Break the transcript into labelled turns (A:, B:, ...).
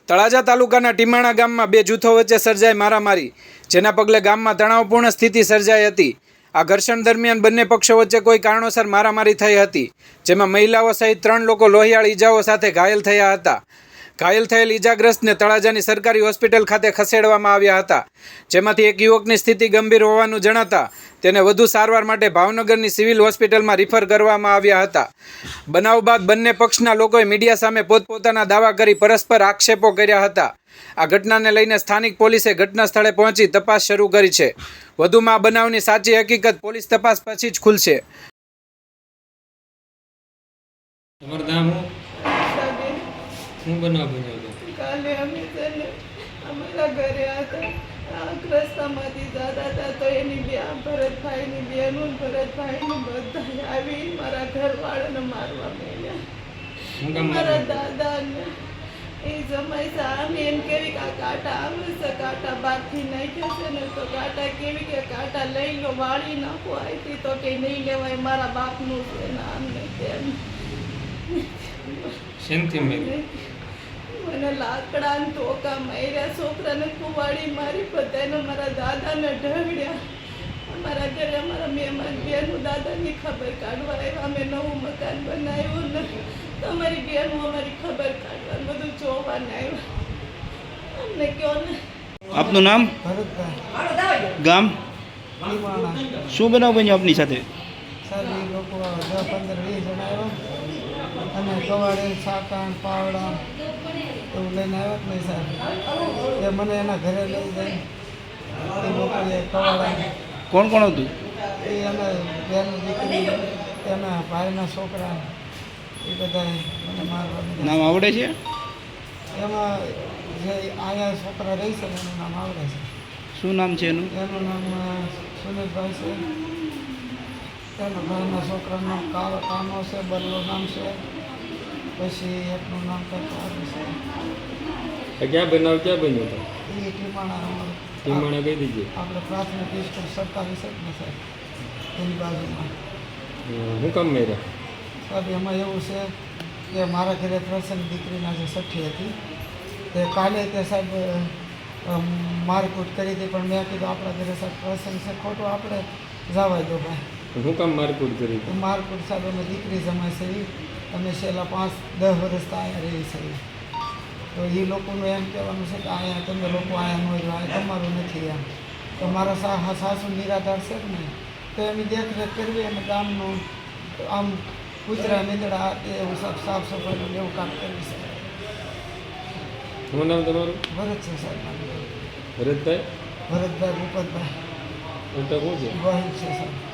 A: તળાજા તાલુકાના ટીમાણા ગામમાં બે જૂથો વચ્ચે સર્જાઈ મારામારી, જેના પગલે ગામમાં તણાવપૂર્ણ સ્થિતિ સર્જાઈ હતી। આ ઘર્ષણ દરમિયાન બંને પક્ષો વચ્ચે કોઈ કારણોસર મારામારી થઈ હતી, જેમાં મહિલાઓ સહિત 3 લોકો લોહિયાળ ઈજાઓ સાથે ઘાયલ થયા હતા। ઘાયલ થયેલ ઈજાગ્રસ્તને તળાજાની સરકારી હોસ્પિટલ ખાતે ખસેડવામાં આવ્યા હતા, જેમાંથી એક યુવકની સ્થિતિ ગંભીર હોવાનું જણાતા તેને વધુ સારવાર માટે ભાવનગરની સિવિલ હોસ્પિટલમાં રિફર કરવામાં આવ્યા હતા। બનાવ બાદ બંને પક્ષના લોકોએ મીડિયા સામે પોતપોતાના દાવા કરી પરસ્પર આક્ષેપો કર્યા હતા। આ ઘટનાને લઈને સ્થાનિક પોલીસે ઘટના સ્થળે પહોંચી તપાસ શરૂ કરી છે। વધુમાં આ બનાવની સાચી હકીકત પોલીસ તપાસ પછી જ ખુલશે।
B: હું બનાવ બન્યો હતો?
C: કાલે અમે છે ને અમારા ઘરે હતા, રસ્તામાંથી જતા હતા તો એની બે ભરતભાઈની બેનું ભરતભાઈનું બધા આવી મારા ઘરવાળાને મારવા માંડ્યા। મારા દાદાને એ જમાઈ સામે એમ કેવી કે આ કાંટા આવે છે, કાંટા બારથી નાખ્યા છે ને તો કાંટા કેવી કે કાંટા લઈ લો, વાળી નાખો આથી તો કે નહીં લેવાય, મારા બાપનું છે ને આમને તેમ મને લાકડા ને ધોકા માર્યા, છોકરાને કુવાડી મારી, બધાને મારા દાદાને ઢળ્યા। અમારા ઘરે અમારા મહેમાન બેનું દાદાની ખબર કાઢવા આવ્યા, અમે નવું મકાન બનાવ્યું ને તમારી બેનું અમારી ખબર કાઢવા બધું જોવાને આવ્યા। અમને કહો ને।
D: આપનું નામ?
E: ભરતભાઈ,
D: ગામ?
E: ટીમાણા।
D: શું બનાવ બન્યો આપની સાથે?
E: સર એ લોકો 10-15-20 જણા આવ્યા અને કવાડે સાકા પાવડા એવું લઈને આવ્યા જ નહીં સાહેબ। એ મને એના ઘરે લઈ જાય, એ લોકોએ કવાડા
D: કોણ કોણ હતું?
E: એ એના બેની દીકરી, એના ભાઈના છોકરા, એ બધાએ મને મારવા દીધા।
D: નામ આવડે છે?
E: એમાં જે અહીંયા છોકરા રહી છે એનું નામ આવડે છે।
D: શું નામ છે એનું?
E: એનું નામ સુનિલભાઈ છે, એના ભાઈના છોકરાનું નામ કાનો છે, બલ્લો નામ છે, પછી એકનું નામ કંઈક આવે છે।
B: ક્યાં બનાવ ક્યાં બન્યો હતો?
E: એ ટીમાણા
B: ટીમાણા કઈ દીધી?
E: આપણે પ્રાથમિક સ્કૂલ સરકારી છે ને સાહેબ, એની બાજુમાં।
B: હું કામ મેળ્યા?
E: સાહેબ એમાં એવું છે કે મારા ઘરે પ્રસંગ દીકરીના જે સઠ્ઠી હતી તે કાલે તે સાહેબ મારકૂટ કરી હતી, પણ મેં કીધું આપણા ઘરે સાહેબ પ્રસંગ છે, ખોટું આપણે જવા દો ભાઈ।
B: હું કામ મારકૂટ કરી?
E: મારકૂટ સાહેબ અમે દીકરી જમાય છે એ અમે છેલ્લા 5-10 વર્ષથી અહીંયા રહી છે, તો એ લોકોનું એમ કહેવાનું છે કે અહીંયા તમે લોકો અહીંયા ન રહ્યો, અહીંયા તમારું નથી એમ। તો મારા સાસુ નિરાધાર છે ને, તો એની દેખરેખ કરવી અને ગામનું આમ કૂતરા નીંદડા એવું સાફ સફાઈનું એવું કામ કરવી છે।
B: શું નામ તમારું?
E: ભરત છે સાહેબ,
B: ભરતભાઈ?
E: ભરતભાઈ ભૂપતભાઈ
B: ઉલટા શું છે?
E: ગોહિલ છે સાહેબ।